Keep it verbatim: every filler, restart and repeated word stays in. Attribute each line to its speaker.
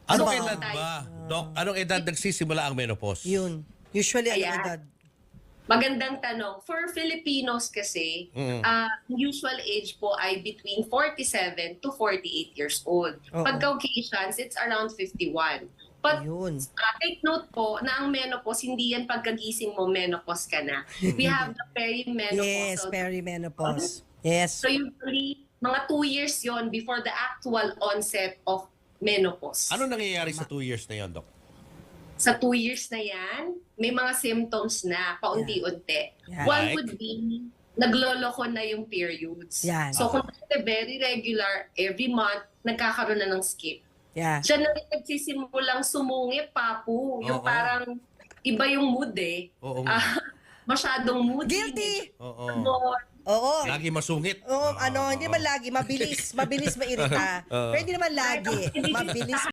Speaker 1: Anong
Speaker 2: So,
Speaker 1: edad ba, Doc? Anong edad nagsisimula ang menopause?
Speaker 2: Yun. Usually, ano
Speaker 3: Ayan.
Speaker 2: edad?
Speaker 3: Magandang tanong. For Filipinos kasi,
Speaker 1: Mm.
Speaker 3: ah, usual age po ay between forty-seven to forty-eight years old.
Speaker 2: Oo.
Speaker 3: Pag Caucasians, it's around fifty-one. But
Speaker 2: Yun.
Speaker 3: ah, take note po na ang menopause, hindi yan pagkagising mo, menopause ka na. We have the
Speaker 2: Yes,
Speaker 3: perimenopausal.
Speaker 2: perimenopause. Yes.
Speaker 3: So usually, mga two years yon before the actual onset of menopause.
Speaker 1: Ano nangyayari sa two years na yon, Doc?
Speaker 3: Sa two years na yan, may mga symptoms na paunti-unti.
Speaker 2: Yeah.
Speaker 3: One
Speaker 1: Like?
Speaker 3: would be, nagloloko na yung periods.
Speaker 2: Yan.
Speaker 3: So kung dati very regular, every month, nagkakaroon na ng skip.
Speaker 2: Yeah.
Speaker 3: Diyan na rin nagsisimulang sumungit, papu. Yung
Speaker 1: Oo.
Speaker 3: parang iba yung mood eh.
Speaker 1: Oo nga.
Speaker 3: Ah, masyadong moody.
Speaker 2: Guilty!
Speaker 1: Oo.
Speaker 3: Ganon.
Speaker 2: Oo.
Speaker 1: Lagi masungit.
Speaker 2: Oo, ano, hindi man lagi, mabilis, mabilis mairita.
Speaker 1: Oo.
Speaker 2: Pero hindi naman lagi, mabilis